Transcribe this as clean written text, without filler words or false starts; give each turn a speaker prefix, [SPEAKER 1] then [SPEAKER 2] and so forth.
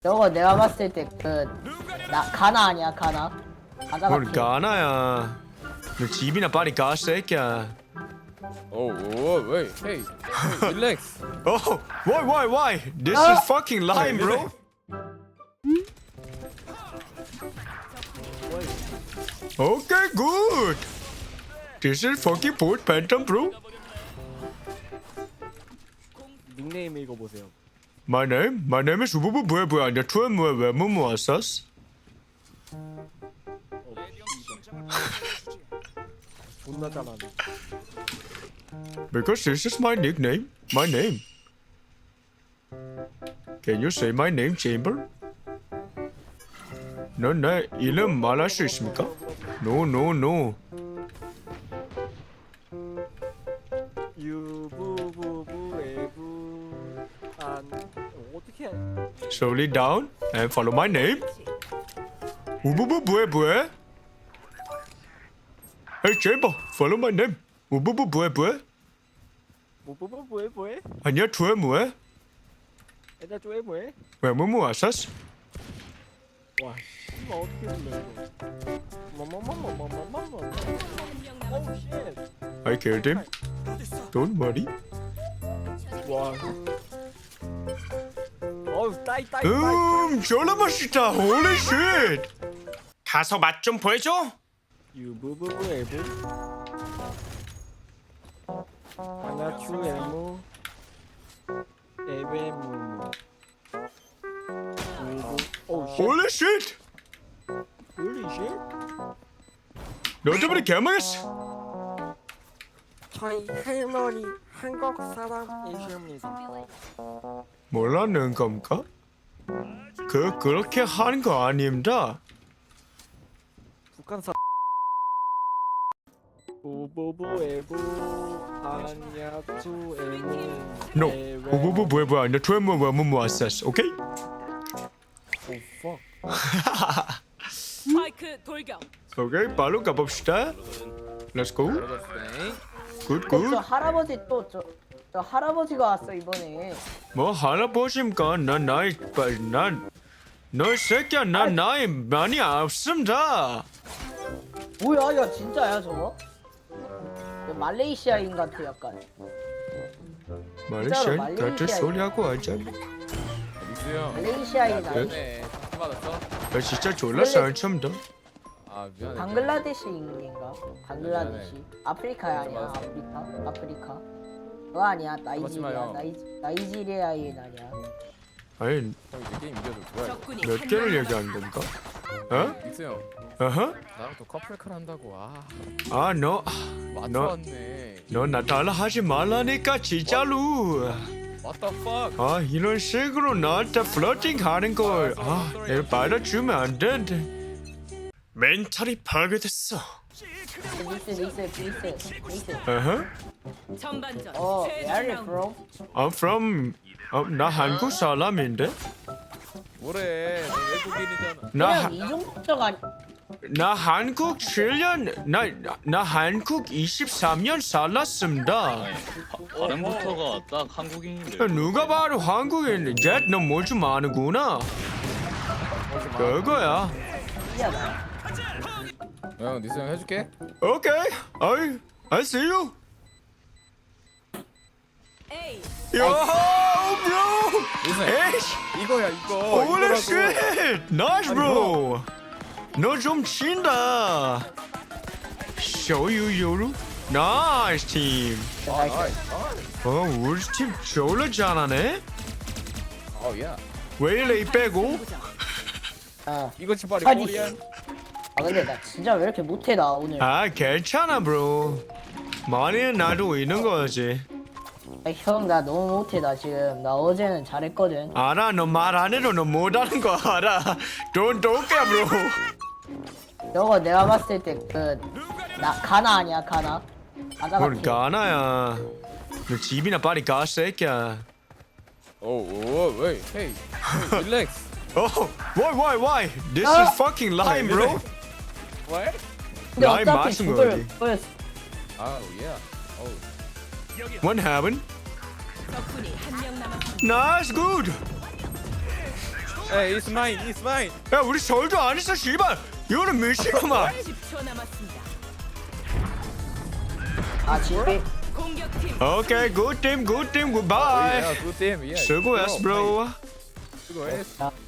[SPEAKER 1] 저거 내가 봤을 때 가나 아니야 가나? 가나
[SPEAKER 2] 뭘
[SPEAKER 1] 같아.
[SPEAKER 2] 가나야. 너 집이나 빨리 가, 새끼야.
[SPEAKER 3] Oh, whoa, wait, hey, relax.
[SPEAKER 2] Oh, why? This is fucking lime, bro. Okay, good. This is fucking Port Phantom, bro.
[SPEAKER 4] 닉네임 읽어보세요.
[SPEAKER 2] My name is 우부부 뭐야. 내 투에 왜 왔었어?
[SPEAKER 4] 존나 잘하네.
[SPEAKER 2] Because this is my nickname, my name. Can you say my name, Chamber? 넌 내 이름 말할 수 있습니까? No.
[SPEAKER 4] 유부부부에부 안 어떻게 해?
[SPEAKER 2] Slowly down and follow my name. 우부부 뭐해? Hey, Chamber, follow my name. 우부부 뭐해?
[SPEAKER 4] 뭐해?
[SPEAKER 2] 아니야, 투에 뭐해?
[SPEAKER 4] 애들 쪼에 뭐해?
[SPEAKER 2] 왜 왔었어?
[SPEAKER 4] 와, 씨발 어떻게 불러 이거? 오우 쉣.
[SPEAKER 2] I killed him. Don't worry.
[SPEAKER 4] 와. 어우 따이.
[SPEAKER 2] 졸라 맛있다. Holy shit. 가서 맛 좀 보여줘.
[SPEAKER 4] 유부부부에부 하나추에무 에베무무 유부 오우 쉣.
[SPEAKER 2] Holy shit.
[SPEAKER 4] 홀리 쉣.
[SPEAKER 2] 너 때문에 개망했어.
[SPEAKER 4] 저희 할머니 한국 사람이십니다.
[SPEAKER 2] 몰랐는 겁니까? 그렇게 하는 거 아닙니다.
[SPEAKER 4] 북한 사 우부부에부 안야투에무
[SPEAKER 2] No. 우부부 뭐야. 내 투에 왜 왔었어. 오케이?
[SPEAKER 4] 오
[SPEAKER 5] 스파이크 돌격.
[SPEAKER 2] 오케이. 바로 가봅시다. Let's go. Good.
[SPEAKER 1] 저 할아버지 저 할아버지가 왔어 이번에.
[SPEAKER 2] 뭐 할아버지입니까? 너 새끼야. 나이 많이 없습니다.
[SPEAKER 1] 뭐야 야 진짜야 저거? 말레이시아인 같아 약간.
[SPEAKER 2] 말레이시아 같은
[SPEAKER 1] 말레이시아.
[SPEAKER 2] 소리하고 하자.
[SPEAKER 3] 민수 형.
[SPEAKER 1] 말레이시아인 아니?
[SPEAKER 3] 미안해. 받았어?
[SPEAKER 2] 나 진짜 졸라 상처입니다.
[SPEAKER 3] 아 미안해.
[SPEAKER 1] 방글라데시인가? 방글라데시. 아프리카야 아니야 아프리카. 그거 아니야 나이지리아.
[SPEAKER 3] 마요.
[SPEAKER 1] 나이지리아인 아니야.
[SPEAKER 2] 아니
[SPEAKER 3] 형 이제 게임 이겨도 좋아요.
[SPEAKER 5] 적군이
[SPEAKER 2] 몇
[SPEAKER 5] 한
[SPEAKER 2] 개를
[SPEAKER 5] 명
[SPEAKER 2] 얘기하는 건가? 어?
[SPEAKER 3] 민수 형,
[SPEAKER 2] 어허?
[SPEAKER 3] 나랑 또 커플칼 한다고.
[SPEAKER 2] 아, 너
[SPEAKER 3] 맞춰왔네.
[SPEAKER 2] 나 달라 하지 말라니까 진짜로.
[SPEAKER 3] What the fuck?
[SPEAKER 2] 아, 이런 식으로 나한테 플러팅 하는 걸 내가 받아주면 안 되는데. 멘탈이 파괴됐어.
[SPEAKER 1] 리스.
[SPEAKER 2] 어허?
[SPEAKER 5] 전반전
[SPEAKER 1] Where are you
[SPEAKER 5] 최종
[SPEAKER 1] from?
[SPEAKER 2] I'm from 나 한국 사람인데.
[SPEAKER 3] 뭐래? 너 외국인이잖아.
[SPEAKER 1] 그냥 이중국적 아니?
[SPEAKER 2] 나 한국 7년 나 한국 23년 살았습니다.
[SPEAKER 6] 발음부터가 딱 한국인인데.
[SPEAKER 2] 누가 봐도 한국인인데 너 뭐 좀 아는구나. 그거야.
[SPEAKER 1] 신기하다.
[SPEAKER 3] 형, 민수 형 해줄게.
[SPEAKER 2] 오케이. I see you.
[SPEAKER 5] A.
[SPEAKER 2] Yo, bro.
[SPEAKER 3] 민수 형.
[SPEAKER 2] 에이씨.
[SPEAKER 3] 이거야 이거.
[SPEAKER 2] Holy
[SPEAKER 3] 이거라고.
[SPEAKER 2] shit. Nice, bro. 너 좀 친다. Show you, 요루. Nice team. 우리 팀 졸라 잘하네.
[SPEAKER 3] 어, 야.
[SPEAKER 2] 왜 이래 이 빼고?
[SPEAKER 3] 이거 치발이
[SPEAKER 1] 아니.
[SPEAKER 3] 코리안.
[SPEAKER 1] 근데 나 진짜 왜 이렇게 못해 나 오늘.
[SPEAKER 2] 아, 괜찮아, bro. 많이 나도 있는 거지.
[SPEAKER 1] 형 나 너무 못해 나 지금. 나 어제는 잘했거든.
[SPEAKER 2] 알아, 너 말 안 해도 너 못하는 거 알아. Don't care, bro.
[SPEAKER 1] 저거 내가 봤을 때 가나 아니야 가나? 가나
[SPEAKER 2] 뭘
[SPEAKER 1] 같아.
[SPEAKER 2] 가나야. 너 집이나 빨리 가, 새끼야.
[SPEAKER 3] Oh, wait, hey, relax.
[SPEAKER 2] Oh, why? This is fucking lime, bro.
[SPEAKER 3] What?
[SPEAKER 1] 근데
[SPEAKER 2] 나이
[SPEAKER 1] 어차피
[SPEAKER 2] 마신
[SPEAKER 1] 죽을
[SPEAKER 2] 거지.
[SPEAKER 1] 거였어.
[SPEAKER 3] Oh, yeah. Oh.
[SPEAKER 2] What happened?
[SPEAKER 5] 적군이 한 명 남았습니다.
[SPEAKER 2] Nice, good.
[SPEAKER 3] Hey, it's mine. It's mine.
[SPEAKER 2] 야 우리 절도 안 했어 씨발. 이거는 밀치구만.
[SPEAKER 5] 10초 남았습니다.
[SPEAKER 1] 아 집이
[SPEAKER 5] 공격팀
[SPEAKER 2] 오케이 굿팀 굿팀 굿바이.
[SPEAKER 3] Yeah, good team. Yeah.
[SPEAKER 2] 수고했어 브로.
[SPEAKER 3] 수고했어.
[SPEAKER 1] 자,